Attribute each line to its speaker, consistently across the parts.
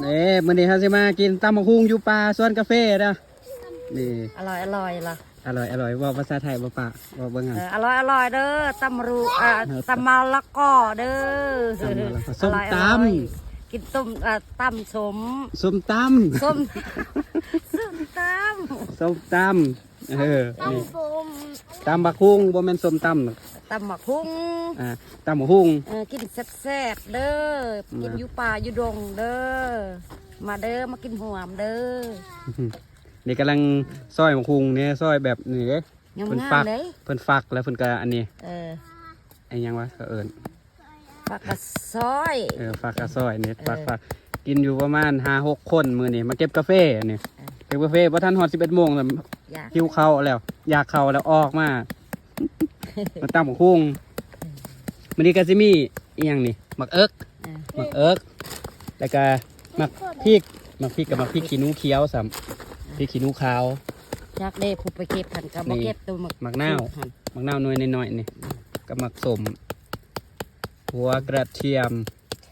Speaker 1: มื้อนี้เฮาสิมากินตำบักหุ่งอยู่ป่าสวนกาแฟเด้อนี่
Speaker 2: อร่อยล่ะ
Speaker 1: อร่อยเว้าภาษาไทยบ่ปะเว้าเบิ่งหั่น
Speaker 2: อร่อยเด้อตำรูตำมะละกอเด้อ
Speaker 1: ส้มตำ
Speaker 2: กินต้มตำสม
Speaker 1: ส้มตำ
Speaker 2: ส้มต
Speaker 1: ส้มตำนี่ตำบักหุ่งบ่แม่นส้มตำหรอก
Speaker 2: ตำหมักหุ้ง
Speaker 1: ตำบักหุ่ง
Speaker 2: กินแซ่บๆเด้อกินอยู่ป่าอยู่ดงเด้อมาเด้อมากินหวมเด้อ
Speaker 1: นี่กำลังซอยบักหุ่งเนี่ยซอยแบบนี้เด้
Speaker 2: เพิ่นฟัก
Speaker 1: เพิ่นฟักแล้วเพิ่นก็อันนี้ไอ้ยังวะก็เอิ้น
Speaker 2: ฟักกระซอย
Speaker 1: ฟักกระซอยนี่ฟักกินอยู่ประมาณ 5-6 คนมื้อนี้มาเก็บกาแฟนี่เก็บกาแฟบ่ทันฮอด 11 โมงแล้วหิวข้าวแล้วอยากข้าวแล้วออกมามาตำบักหุ่งมื้อนี้ก็สิมีอีหยังนี่หมักเอิกแล้วก็หมักพริกกับหมักพริกขี้หนูเขียวซ้ำพริกขี้หนูขาว
Speaker 2: จากเด้ผู้ไปเก็บหันกับบ่เก็บตัวหมัก
Speaker 1: นาวน้อยน้อยนี่กับหมักสมหัวกระเทียม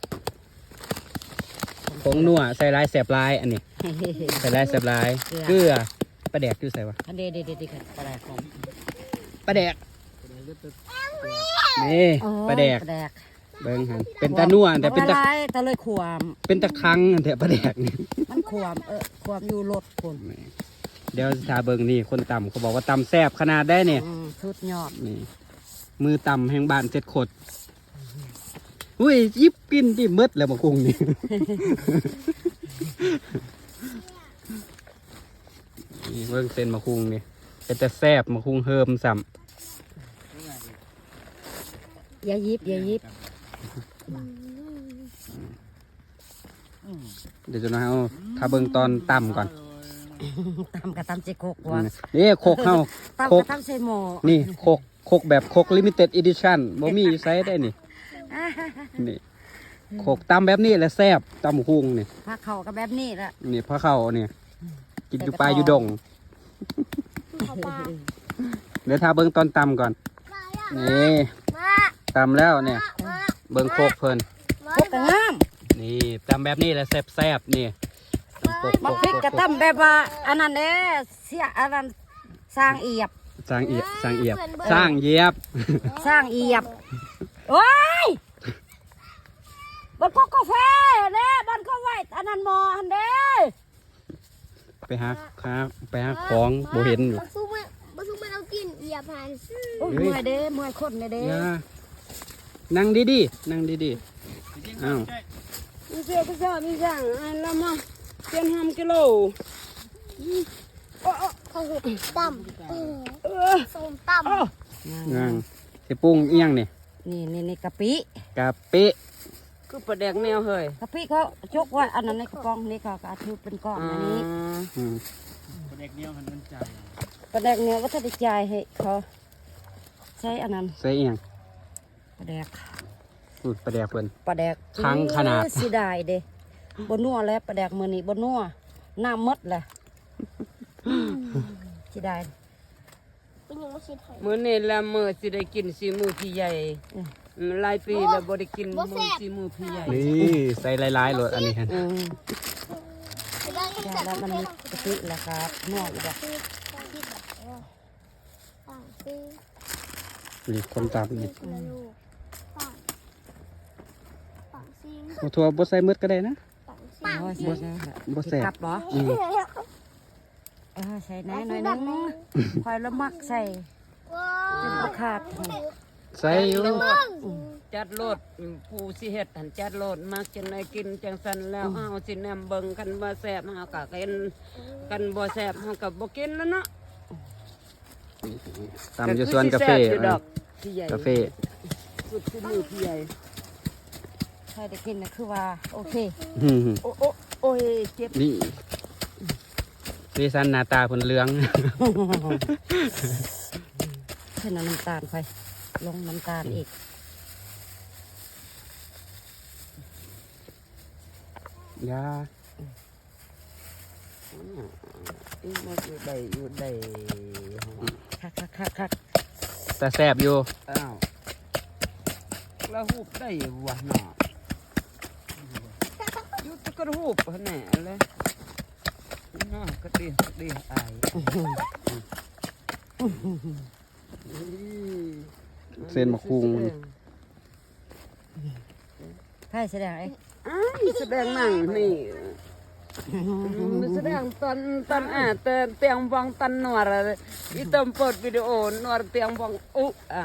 Speaker 1: ผงนัวใส่ลายแสบลายอันนี้ใส่ลายแสบลายเกลือปลาแดกอยู่ใส่วะ
Speaker 2: อันเด็ดค่ะปลาแดกของ
Speaker 1: ปลาแดกนี่ปลาแดกเบิ้งหันเป็นตานัวแต่เป็น
Speaker 2: ตะเลยขวาม
Speaker 1: เป็นตะคังแต่ปลาแดกนี่
Speaker 2: มันขวามอยู่รถคน
Speaker 1: เดี๋ยวทาเบิ้งนี่คนต่ำเขาบอกว่าต่ำแซ่บขนาดได้เนี่ย
Speaker 2: สุดยอด
Speaker 1: นี่มือต่ำแห่งบ้านเจ็ดขดอุ้ยยิบกินที่มืดแล้วมาคุงนี่นี่เบิ้งเส้นมาคุงนี่เป็นแต่แซ่บมาคุงเฮิมซ้ำ
Speaker 2: อย่ายิบ
Speaker 1: เดี๋ยวจะเอาถ้าเบิ้งตอนต่ำก่อน
Speaker 2: ตำกับตำเจโคกวะ
Speaker 1: นี่โคกเข้า
Speaker 2: โคกตำเซโม
Speaker 1: นี่โคกแบบโคกลิมิเต็ดอีดิชั่นบ่มีไซส์ได้นี่นี่โคกตำแบบนี้แหละแซ่บตำหุ่งนี่
Speaker 2: พระเข่ากับแบบนี้แหละ
Speaker 1: นี่พระเข่าเนี่ยกินอยู่ปลาอยู่ดงเดี๋ยวถ้าเบิ้งตอนตำก่อนนี่ตำแล้วเนี่ยเบิ้งโคกเพลิน
Speaker 2: โคกกระงาม
Speaker 1: นี่ตำแบบนี้แหละแซ่บนี่
Speaker 2: มาพริกกระตำแบบว่าอันนั้นเด้เสียอันนั้นสร้างเอียบโอ้ยบ้านกาแฟเด้บ้านก็ไหวอันนั้นมออันเด้
Speaker 1: ไปหาของโบเห็นอยู่
Speaker 3: บ้านซุมันเอากินเอียบหัน
Speaker 2: เมื่อยเด้เมื่อยคนเด้
Speaker 1: นั่งดีอ้าว
Speaker 2: มีเจ้ามีจังอันละมั้งเป็น5 กิโล
Speaker 3: เขาเห็ดต่ำส้มต่ำ
Speaker 1: นั่งสิปรุงอีหยังนี่
Speaker 2: กะปิ
Speaker 1: คือปลาแดกแนวเฮ้ย
Speaker 2: กะปิเขาจกไว้อันนั้นในกระป๋องนี่เขาก็ถือเป็นก้อนอันนี้
Speaker 1: ปลาแดกแนวมันใจ
Speaker 2: ปลาแดกแนวก็จะได้ใจให้เขาใช้อันนั้น
Speaker 1: ใส่อีหยัง
Speaker 2: ปลาแดก
Speaker 1: ปลาแดกเพิ่น
Speaker 2: ปลาแดก
Speaker 1: ทั้งขนาด
Speaker 2: สิได้เด้บนนัวแล้วปลาแดกมือนี้บนนัวน้ำมดแหละสิได้
Speaker 4: มื้อนี้ละมื้อสิได้กินสีมือพี่ใหญ่หลายปีแล้วบ่ได้กินมื้อสีมือพี่ใหญ่
Speaker 1: นี่ใส่หลายๆเลยอันนี้ฮะ
Speaker 2: แล้วมันมีกะปิแหละครับนัวอีกแบบ
Speaker 1: นี่คนตามนี่ถั่วบดใส่มืดก็ได้นะบดใส่
Speaker 2: กลับเหรอใส่แน่หน่อยนึงคอยละมักใส่จนบ่ขาด
Speaker 1: ใส่อยู่
Speaker 4: จัดโลดผู้สิเฮ็ดหันจัดโลดมักจังได๋กินจังซั่นแล้วเฮาสิแนมเบิ่งกันบ่แซ่บเฮาก็กินกันบ่แซ่บเฮาก็บ่กินแล้วเนาะ
Speaker 1: ตามอยู่สวนกาแฟกาแฟ
Speaker 4: สุดที่มือพี่ใหญ่
Speaker 2: ใครได้กินนะคือว่าโอเค
Speaker 4: โอ้ยเจ็บ
Speaker 1: นี่สันหน้าตาผลเหลือง
Speaker 2: ใส่น้ำตาลไปลงน้ำตาลอีก
Speaker 1: ยา
Speaker 4: มันอยู่ได้
Speaker 2: คัก
Speaker 1: แต่แซ่บอยู่
Speaker 4: อ้าวแล้วหูบได้วะเนาะอยู่ตะก็รูปแน่เลยน่าก็ดีอาย
Speaker 1: เส้นมะคุง
Speaker 2: ใช่แสดงไอ้
Speaker 4: แสดงหนังนี่แสดงตอนเตียงบองตันนวรอีตมเปิดวิดีโอนวรเตียงบองอ่ะ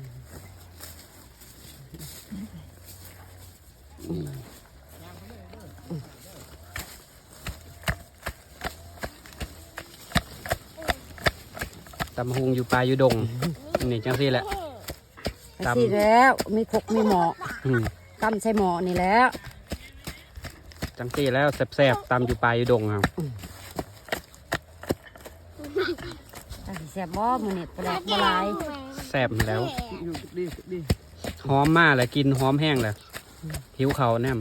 Speaker 1: ตำหุงอยู่ปลาอยู่ดงนี่จังซี่แหละ ตำ
Speaker 2: สิแล้วมีคกมีหมอ
Speaker 1: อืม
Speaker 2: กำใส่หมอนี่แล้ว
Speaker 1: จังซี่แล้วแซ่บๆตำอยู่ปลาอยู่ดงครับ
Speaker 2: ถ้าสิแซ่บบ่มื้อนี้ปลาบ่หลาย
Speaker 1: แซ่บแล้ว
Speaker 4: อยู่ดี
Speaker 1: หอมมากเลยกินหอมแห้งเลยหิวเขาวแนม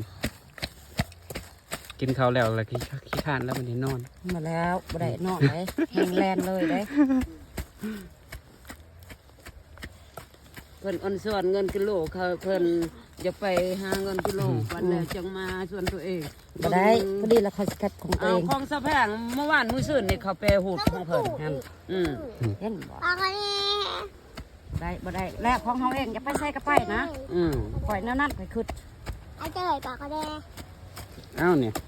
Speaker 1: กินเขาวแล้วเลยขี้ข้านแล้วมันนี่นอน
Speaker 2: มาแล้วบ่ได้นอนเลยแห้งแลนเลยเด้
Speaker 4: เพิ่นอ่อนส่วนเงินกิโลเขาเพิ่นจะไปหาเงินกิโลวันแล้วจังมาส่วนตัวเอง
Speaker 2: บ่ได้พอดีแล้วเขาสิกัดของตัว
Speaker 4: เอา
Speaker 2: เอง
Speaker 4: ของสะแพงเมื่อวานมื้อซื่นนี่เขาไปหูดของเพิ่นหั่นอืม
Speaker 2: เห็นบ่
Speaker 3: ปากอะไร
Speaker 2: ได้บ่ได้แล้วของเฮาเองอย่าไปใส่กระไปนะ
Speaker 4: อืม
Speaker 2: ปล่อยแนวนั้นไปขึ้น
Speaker 3: ไอ้เจ้ยปากอะไร
Speaker 1: เอ้าเนี่ย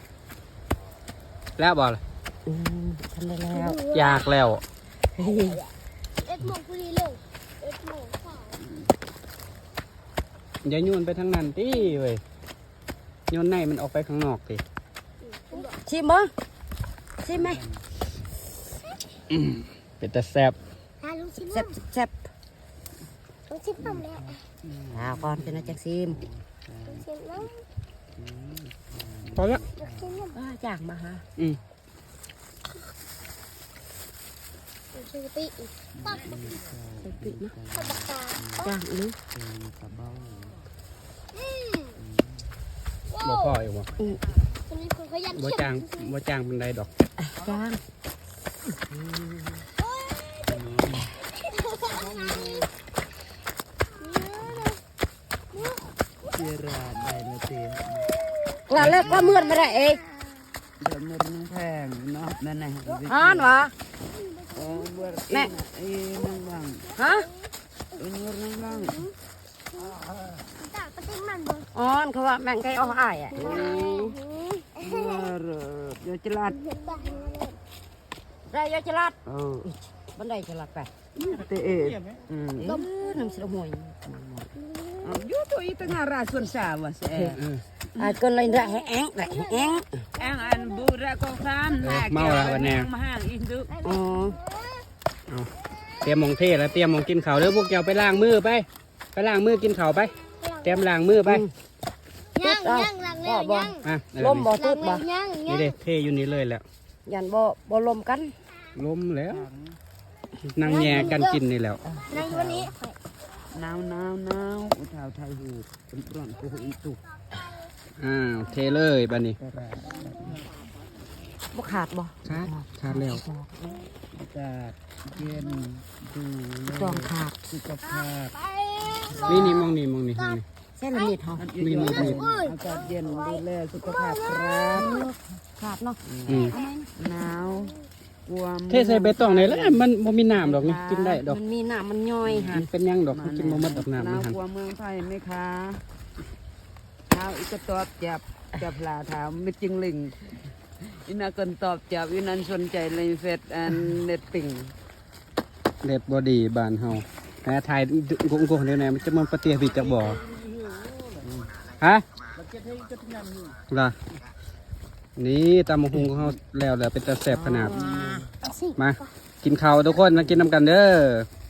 Speaker 1: แล้วบอล
Speaker 2: ทำได้แล้ว
Speaker 1: อยากแล้ว
Speaker 2: เฮ้ย
Speaker 3: เอ็ดโมงพอดีเลยเอ็ดโมงสาย
Speaker 1: อย่าโยนไปทางนั้นติเว้ยโยนในมันออกไปข้างนอกสิ
Speaker 2: ชิมบ่ชิมไหม
Speaker 1: เป็นแต่แซ่บ
Speaker 3: ลุงชิม
Speaker 2: แซ่บแซ่บ
Speaker 3: ลุงชิมน้ำแล้ว
Speaker 2: เอาก่อนเป็นอาจักซิม
Speaker 3: ลุงชิมน้
Speaker 1: พอแล้ว
Speaker 3: ำลุงชิมน้ำ
Speaker 2: จ้างมาหา
Speaker 1: อืม
Speaker 3: ลุงชิมปีอีกปัก
Speaker 2: ไปปิดนะ
Speaker 3: ปักปากกา
Speaker 2: จ้างอีก
Speaker 1: บ่พออีกบ่
Speaker 3: คนนี้คนขยัน
Speaker 1: บ่จ้างบ่จ้างเป็นไรดอก
Speaker 2: จ้าง
Speaker 4: เสียราได้นะเตีย
Speaker 2: กล้าเลิกกล้าเมื่อนไม่ได้เอง
Speaker 4: เดี๋ยวมือนึงแพงเนาะนั่นน่ะ
Speaker 2: อ่านวะ
Speaker 4: เบื่อ
Speaker 2: แม่
Speaker 4: นั่งบ้าง
Speaker 2: ฮะ
Speaker 4: มือนั่งบ้าง
Speaker 3: ตากระติ้งมันบน
Speaker 2: อ่อนเขาว่าแม่งไก่อ้ออ้ายอ่ะ
Speaker 4: เดี๋ยวจะลาด
Speaker 2: ได้ยาจะลัด
Speaker 4: เออ
Speaker 2: บันไดจะลัดไป
Speaker 4: เตะอืม
Speaker 2: น้ำเสียห่วย
Speaker 4: อยู่ตัวอีตั้งหาราส่วนสาวะเส
Speaker 2: ก็เลยได้แห้งได้แห้ง
Speaker 4: แองอันบูระกองซามมาห่างอินดุ
Speaker 2: อ๋อ
Speaker 1: เตรียมมองเทแล้วเตรียมมองกินข้าวเด้อพวกเจ้าไปล้างมือไปล้างมือกินข้าวไป เตรียมล้างมือไป
Speaker 3: ย่างย่างหลังแล้วย่าง
Speaker 1: อ่ะ
Speaker 2: ลมบ่
Speaker 3: หลั
Speaker 2: ตึ
Speaker 3: ง
Speaker 2: ด
Speaker 3: แล้
Speaker 2: บ่
Speaker 3: วย่าง
Speaker 1: นี่เด้เทอยู่นี่เลยแหละ
Speaker 2: ยันบ่ลมกัน
Speaker 1: ลมแล้วนั่งแย่กันกินนี่แล้ว
Speaker 3: ในวันนี้
Speaker 4: หนาวอุทาวไทยหูเป็นร้อนกูอีตุก
Speaker 1: อ้าวเทเลยบัดนี้
Speaker 2: บ่ขาดบ่
Speaker 1: ขาดแล้ว
Speaker 4: อากาศเย็นดู
Speaker 2: จองขาด
Speaker 4: สุขภาพ
Speaker 1: นี่มองนี่
Speaker 2: เส้นละนิดเฮา
Speaker 1: มีมี
Speaker 4: อากาศเย็นดูแลสุขภาพครับ
Speaker 2: ขาดเนาะ
Speaker 1: อืม
Speaker 4: หนาวกลัว
Speaker 1: เทใส่ใบตองนี่แหละมันบ่มีน้ำดอกนี่กินได้ดอก
Speaker 2: มันมีน้ำมันย่อยหั
Speaker 1: มัน นเป็นหยังดอกมันกินบ่หมดดอกน้ำ
Speaker 4: ห
Speaker 1: มัน
Speaker 4: นาว
Speaker 1: หัน
Speaker 4: กลัวเมืองไทยไหมคะเท้าอีกก็ตอบจับลาถามไม่จริงลิงอินาคนตอบจับอินันสนใจในเฟซแอนเน็ตปิง
Speaker 1: เด็ดบ่ดีบ้านเฮาแหมถ่ายกงๆเดี๋ยวไหนมันจะมันปะเตียบิดจากบ่อฮะล่ะนี่ตำบักหุงของเฮาแล้วเป็นตาแซ่บขนาด มากินข้าวทุกคนมากินนำกันเด้อ